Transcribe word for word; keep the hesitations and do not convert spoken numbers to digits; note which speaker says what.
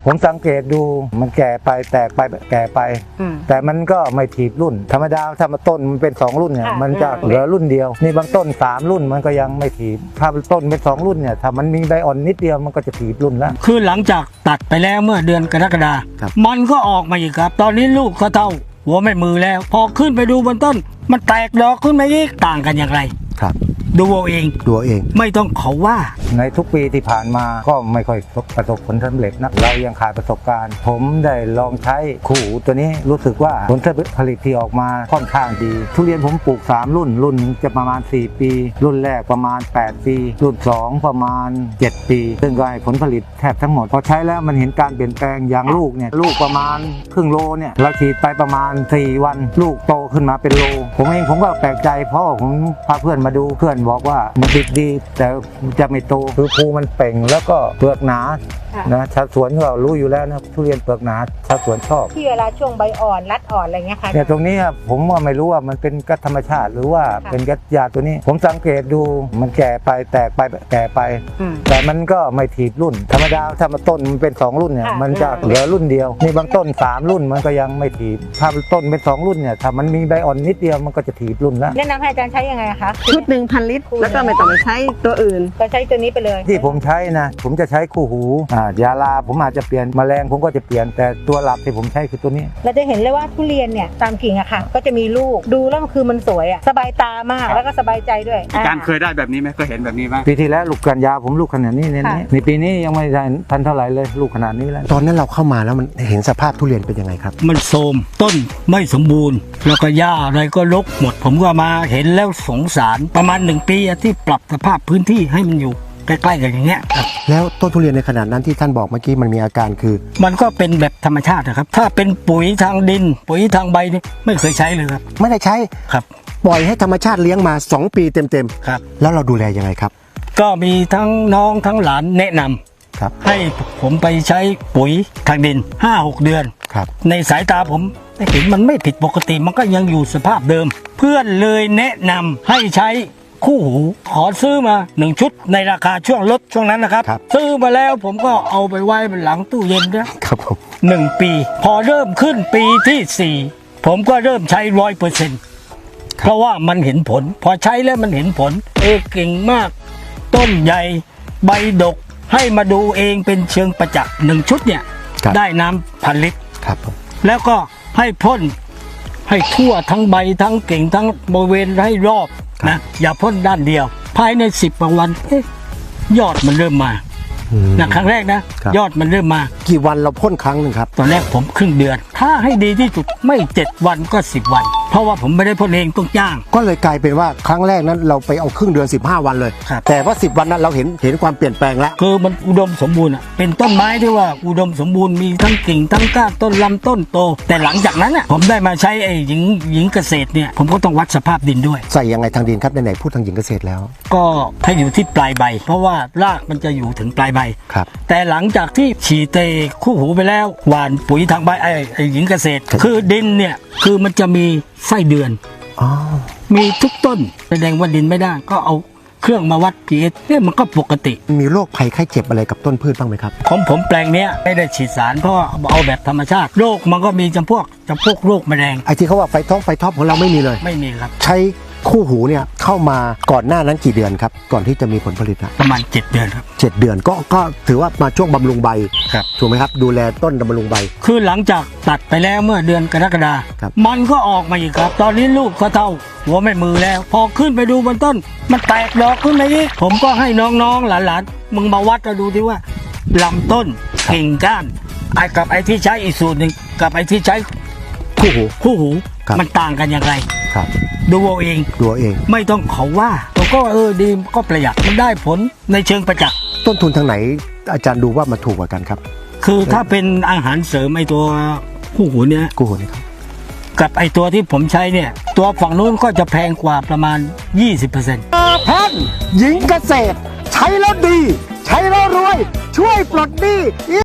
Speaker 1: ผมสังเกตดูมันแก่ไปแตกไปแก่ไปแต่มันก็ไม่ถีบรุ่นธรรมดาถ้ามาต้นมันเป็นสองรุ่นเนี่ยมันจะเหลือรุ่นเดียวนี่บางต้นสามรุ่นมันก็ยังไม่ถีบถ้าต้นเป็นสองรุ่นเนี่ยถ้ามันมีใบอ่อนนิดเดียวมันก็จะถีบรุ่นแล้ว
Speaker 2: คือหลังจากตัดไปแล้วเมื่อเดือนกรกฎาคมมันก็ออกมาอีกครับตอนนี้ลูกเขาเท่าหัวไม่มือแล้วพอขึ้นไปดูบนต้นมันแตกดอกขึ้นมาอีกต่างกันอย่างไร
Speaker 1: ครับ
Speaker 2: ดูเอาเอง
Speaker 1: ดูเอง
Speaker 2: ไม่ต้องเขาว่า
Speaker 1: ในทุกปีที่ผ่านมาก็ไม่ค่อยประสบผลสำเร็จนะเรายังขาดประสบการณ์ผมได้ลองใช้คู่หูตัวนี้รู้สึกว่าผลผลิตที่ออกมาค่อนข้างดีทุเรียนผมปลูกสามรุ่นรุ่นจะประมาณสี่ปีรุ่นแรกประมาณแปดปีรุ่นสองประมาณเจ็ดปีซึ่งก็ให้ผลผลิตแทบทั้งหมดพอใช้แล้วมันเห็นการเปลี่ยนแปลงอย่างลูกเนี่ยลูกประมาณครึ่งโลเนี่ยเราฉีดไปประมาณสี่วันลูกโตขึ้นมาเป็นโลผมเองผมก็แปลกใจเพราะผมพาเพื่อนมาดูเพื่อนบอกว่ามันติดดีแต่จะไม่โตคือภูมันเป่งแล้วก็เปลือกหนานะชาวสวนก็รู้อยู่แล้วนะทุเรียนเปลือกหนาชาวสวนชอบ
Speaker 3: ที่เวลาช่วงใบอ่อนรัดอ่อนอะไรเงี้ยค่ะ
Speaker 1: เนี่ยตรงนี้ผมว่าไม่รู้ว่ามันเป็นกัดธรรมชาติหรือว่าเป็นกัดยาตัวนี้ผมสังเกตดูมันแก่ไปแตกไปแก่ไปแต่มันก็ไม่ถีบรุ่นธรรมดาถ้ามาต้นมันเป็นสองรุ่นเนี่ยมันจะเหลือรุ่นเดียวนี่บางต้นสามรุ่นมันก็ยังไม่ถีบถ้าต้นเป็นสองรุ่นเนี่ยถ้ามันมีใบอ่อนนิดเดียวมันก็จะถีบรุ่นแล้ว
Speaker 3: แนะนำให้อาจารย์ใช้ยังไงคะ
Speaker 4: ชุดหนึ่งพันลิตรแล้วก็ไม่ต้องไปใช้ตัวอื่น
Speaker 3: ก็ใช้ตัวนี้ไปเลย
Speaker 1: ที่ผมใช้นะผมจะใช้คู่หูอ่ายาลาผมอาจจะเปลี่ยนแมลงผมก็จะเปลี่ยนแต่ตัวหลักที่ผมใช้คือตัวนี้
Speaker 3: เราจะเห็นเลยว่าทุเรียนเนี่ยตามกิ่งอะค่ะก็จะมีลูกดูแล้วคือมันสวยอะสบายตามากแล้วก็สบายใจด้วย
Speaker 5: อาจารย์เคยได้แบบนี้ไหมเคยเห็นแบบนี้ไหม
Speaker 1: ปีที่แล้วลูกกันยาผมลูกขนาดนี้เนี่ยในปีนี้ยังไม่ได้ทันเท่าไหร่เลยลูกขนาดนี้แล้ว
Speaker 6: ตอนนั้นเราเข้ามาแล้วมันเห็นสภาพทุเรียนเป็นยังไงครับ
Speaker 2: มันโทรมต้นไม่สมบูรณ์แล้วก็หญ้าอะไรก็รกหมดผมก็มาเห็นแล้วสงสารประมาณหนึ่งปีที่ปรับสภาพพื้นที่ให้มันอยู่ใกล้ๆกันอย่างเงี้ย
Speaker 6: แล้วต้นทุเรียนในขนาดนั้นที่ท่านบอกเมื่อกี้มันมีอาการคือ
Speaker 2: มันก็เป็นแบบธรรมชาตินะครับถ้าเป็นปุ๋ยทางดินปุ๋ยทางใบนี่ไม่เคยใช้เลยครับ
Speaker 6: ไม่ได้ใช้
Speaker 2: ครับ
Speaker 6: ปล่อยให้ธรรมชาติเลี้ยงมาสองปีเต็ม
Speaker 2: ๆครับ
Speaker 6: แล้วเราดูแลยังไงครับ
Speaker 2: ก็มีทั้งน้องทั้งหลานแนะนำ
Speaker 6: ครับ
Speaker 2: ให้ผมไปใช้ปุ๋ยทางดิน ห้าหก เดือน
Speaker 6: ครับ
Speaker 2: ในสายตาผมเห็นมันไม่ผิดปกติมันก็ยังอยู่สภาพเดิมเพื่อนเลยแนะนำให้ใช้คู่หูขอซื้อมาหนึ่งชุดในราคาช่วงลดช่วงนั้นนะครับซื้อมาแล้วผมก็เอาไปไว้บนหลังตู้เย็นนะครับ
Speaker 6: ผม
Speaker 2: หนึ่งปีพอเริ่มขึ้นปีที่สี่ผมก็เริ่มใช้ร้อยเปอร์เซ็นต์เพราะว่ามันเห็นผลพอใช้แล้วมันเห็นผลเออเก่งมากต้นใหญ่ใบดกให้มาดูเองเป็นเชิงประจักษ์หนึ่งชุดเนี่ยได้น้ำพันลิตร
Speaker 6: ครับผม
Speaker 2: แล้วก็ให้พ่นให้ทั่วทั้งใบทั้งเก่งทั้งบริเวณให้รอบนะอย่าพ่นด้านเดียวภายในสิบวันยอดมันเริ่มมานะครั้งแรกนะยอดมันเริ่มมา
Speaker 6: กี่วันเราพ่นครั้งหนึ่งครับ
Speaker 2: ตอนแรกผมครึ่งเดือนถ้าให้ดีที่สุดไม่เจ็ดวันก็สิบวันเพราะว่าผมไม่ได้พ่นเองต้องจ้าง
Speaker 6: ก็เลยกลายเป็นว่าครั้งแรกนั้นเราไปเอาครึ่งเดือนสิบห้าวันเลยแต่ว่าสิบวันนั้นเราเห็นเห็นความเปลี่ยนแปลงแล้ว
Speaker 2: คือมันอุดมสมบูรณ์อ่ะเป็นต้นไม้ที่ว่าอุดมสมบูรณ์มีทั้งกิ่งทั้งก้านต้นลำต้นโตแต่หลังจากนั้นอ่ะผมได้มาใช้ไอ้หญิงหญิงเกษตรเนี่ยผมก็ต้องวัดสภาพดินด้วย
Speaker 6: ใส่ยังไงทางดินครับไหนๆพูดทางหญิงเกษตรแล้ว
Speaker 2: ก็ให้อยู่ที่ปลายใบเพราะว่ารากมันจะอยู่ถึงปลายใบ
Speaker 6: ครับ
Speaker 2: แต่หลังจากที่ฉีดเตคู่หูไปแล้วหว่านปุ๋ยทางใบไอ้ไอ้หญิงเกษตรคือดินเนี่ยคือมันจะมีไส้เดือนมีทุกต้นแสดงว่าดินไม่ได้ก็เอาเครื่องมาวัด พี เอช เนี่ยมันก็ปกติ
Speaker 6: มีโรคภัยไข้เจ็บอะไรกับต้นพืชบ้างไหมครับ
Speaker 2: ของผมแปลงเนี้ยไม่ได้ฉีดสารเพราะเอาแบบธรรมชาติโรคมันก็มีจำพวกจำพวกโรคแมลง
Speaker 6: ไอ้ที่เขาว่าไฟท้องไฟท็อปของเราไม่มีเลย
Speaker 2: ไม่มีครับ
Speaker 6: ใช้คู่หูเนี่ยเข้ามาก่อนหน้านั้นกี่เดือนครับก่อนที่จะมีผลผลิตนะ
Speaker 2: ประมาณเจ็ดเดือนครับ
Speaker 6: เจ็ดเดือนก็ก็ถือว่ามาช่วงบำรุงใบ
Speaker 2: ครับ
Speaker 6: ถูกไหมครับดูแลต้นบำรุงใบ
Speaker 2: คือหลังจากตัดไปแล้วเมื่อเดือนกรกฎาคมมันก็ออกมาอีกครับตอนนี้ลูกเขาเท่าหัวไม่มือแล้วพอขึ้นไปดูบนต้นมันแตกดอกขึ้นมาอีกผมก็ให้น้องๆหลานๆมึงมาวัดแล้วดูที่ว่าลำต้นกิ่งก้านไอ้กับไอ้ที่ใช้อีกสูตรหนึ่งกับไอ้ที่ใช้
Speaker 6: คู่หู
Speaker 2: คู่หูมันต่างกันอย่างไร
Speaker 6: ครับ
Speaker 2: ดูเอาเอง
Speaker 6: ดูเอาเอง
Speaker 2: ไม่ต้องเขาว่าผมก็เออดีก็ประหยัดมันได้ผลในเชิงประจักษ์
Speaker 6: ต้นทุนทางไหนอาจารย์ดูว่ามันถูกกว่ากันครับ
Speaker 2: คือถ้าเป็นอาหารเสริมไอตัวคู่หูเนี่ย
Speaker 6: คู่หูนี่ครับ
Speaker 2: กับไอตัวที่ผมใช้เนี่ยตัวฝั่งนู้นก็จะแพงกว่าประมาณ ยี่สิบเปอร์เซ็นต์
Speaker 6: ท่านหญิงเกษตรใช้แล้วดีใช้แล้วรวยช่วยปลดหนี้